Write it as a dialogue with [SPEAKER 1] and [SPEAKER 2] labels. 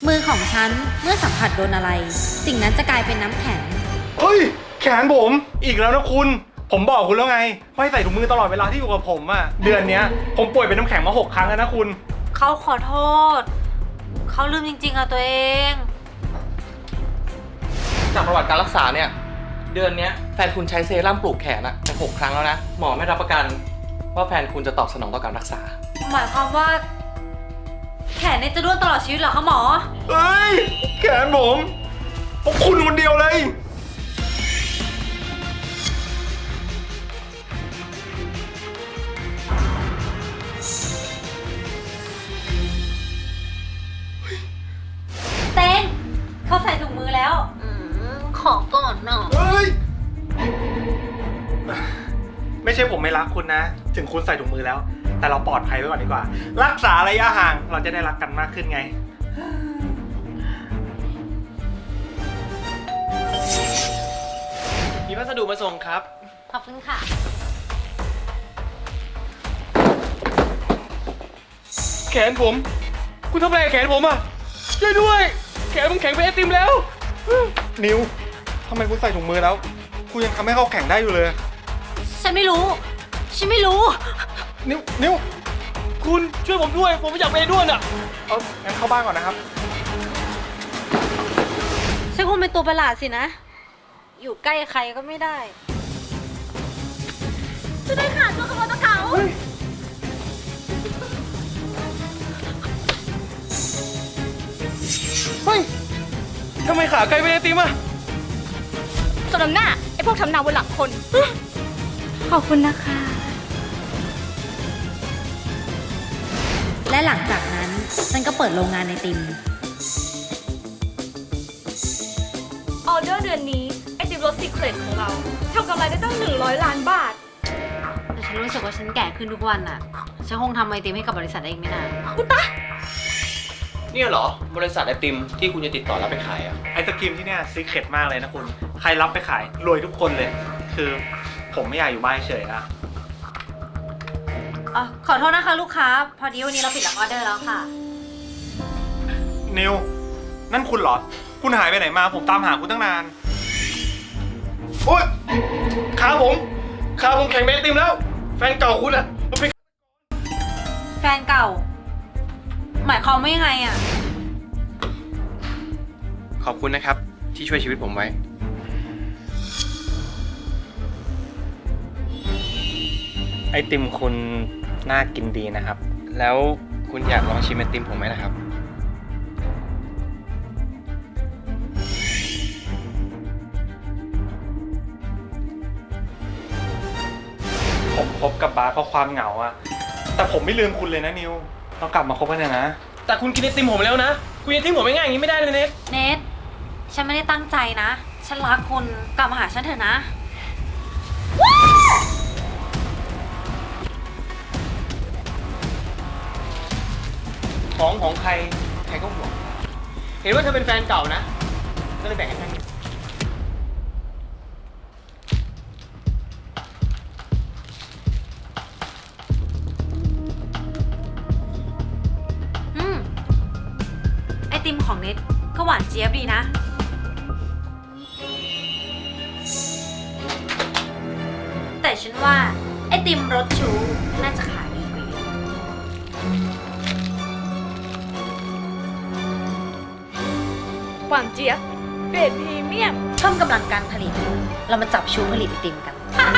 [SPEAKER 1] มือของฉันเมื่อสัมผัสโดนอะไรสิ่งนั้นจะกลายเป็นน้ำแข็ง
[SPEAKER 2] เฮ้ยแขนผมอีกแล้วนะคุณผมบอกคุณแล้วไงว่าให้ใส่ถุงมือตลอดเวลาที่อยู่กับผมอะเดือนเนี้ยผมป่วยเป็นน้ำแข็งมา6 ครั้งแล้วนะคุณ
[SPEAKER 3] เขาขอโทษเขาลืมจริงๆอะตัวเอง
[SPEAKER 4] จากประวัติการรักษาเนี่ยเดือนนี้แฟนคุณใช้เซรั่มปลูกแขนอะไป6 ครั้งแล้วนะหมอไม่รับประกันว่าแฟนคุณจะตอบสนองต่อการรักษา
[SPEAKER 3] หมายความว่าแขนเนี่ยจะด้วนตลอดชีวิตเหรอคะหมอ
[SPEAKER 2] เอ้ยแขนผมเพราะคุณคนเดียวเลย
[SPEAKER 3] เต้นเขาใส่ถุงมือแล้วขอก่อนหน่อย
[SPEAKER 2] เฮ้ยไม่ใช่ผมไม่รักคุณนะถึงคุณใส่ถุงมือแล้วแต่เราปลอดภัยไว้ก่อนดีกว่ารักษาระยะห่างเราจะได้รักกันมากขึ้นไง
[SPEAKER 4] มีพัสดุมาส่งครับ
[SPEAKER 3] ขอบคุณค่ะ
[SPEAKER 4] แขนผมคุณทำอะไรกับแขนผมอ่ะช่วยด้วยแขนผมแข็งเป็นไอติมแล้ว
[SPEAKER 2] นิวทำไมคุณใส่ถุงมือแล้วคุณยังทำให้เขาแข็งได้อยู่เลย
[SPEAKER 3] ฉันไม่รู้
[SPEAKER 2] นิว
[SPEAKER 4] คุณช่วยผมด้วยผมไม่อยากไปด้วนอ่ะ
[SPEAKER 2] งั้นเข้าบ้านก่อนนะครับ
[SPEAKER 3] ฉันคงเป็นตัวประหลาดสินะอยู่ใกล้ใครก็ไม่ได้จะได้ขาดตัวขโมยตัวเขา
[SPEAKER 4] เฮ้ยทำไมขาไกลเป็นไอติมอ่ะ
[SPEAKER 5] สมน้ำหน้าไอ้พวกทำนาบนหลังคน
[SPEAKER 3] ขอบคุณนะคะ
[SPEAKER 1] และหลังจากนั้นฉันก็เปิดโรงงานไอติม
[SPEAKER 5] ออเดอร์เดือนนี้ไอติมรสซีเครตของเราทำกำไรได้ตั้ง100 ล้านบาท
[SPEAKER 3] แต่ฉันรู้สึกว่าฉันแก่ขึ้นทุกวันน่ะฉันคงทำไอติมให้กับบริษัทได้อีกไม่นาน
[SPEAKER 5] อุตะ
[SPEAKER 4] เนี่ยเหรอ บริษัทไอติมที่คุณจะติดต่อรับไปขายอ่ะ
[SPEAKER 2] ไอศกรีมที่เนี่ยซีเคร็ตมากเลยนะคุณใครรับไปขายรวยทุกคนเลยคือผมไม่อยากอยู่บ้านเฉยอะ
[SPEAKER 3] ขอโทษนะคะลูกค้าพอดีวันนี้เราปิดรับออเดอร์แล้วค่ะ
[SPEAKER 2] นิวนั่นคุณเหรอคุณหายไปไหนมาผมตามหาคุณตั้งนานโอ๊ยขาผมแข็งเป็นไอติมแล้วแฟนเก่าคุณอะ
[SPEAKER 3] แฟนเก่าหมายความว่ายังไงอะ
[SPEAKER 4] ขอบคุณนะครับที่ช่วยชีวิตผมไว้ไอติมคุณน่ากินดีนะครับ แล้วคุณอยากลองชิมไอติมผมไหมนะครับ
[SPEAKER 2] ผมคบกับบาสเพราะความเหงาอะแต่ผมไม่ลืมคุณเลยนะนิวต้องกลับมาคบกันนะ
[SPEAKER 4] แต่คุณกินไอติมผมแล้วนะคุณจะทิ้งผมไม่ง่ายอย่างนี้ไม่ได้เลยเนท
[SPEAKER 3] ฉันไม่ได้ตั้งใจนะฉันรักคุณกลับมาหาฉันเถอะนะ
[SPEAKER 4] ของใครก็ห่วงเห็นว่าเธอเป็นแฟนเก่านะก็เลยแบ่งให้แค่นี้
[SPEAKER 3] ไอติมของเน็ตก็หวานเจี๊ยบดีนะแต่ฉันว่าไอติมรสชูน่าจะขายดีกว่าเยอะ
[SPEAKER 5] หวานเจี๊ยบเกรดพรีเมียม
[SPEAKER 3] เพิ่มกำลังการผลิตเรามาจับชูผลิตไอติมกัน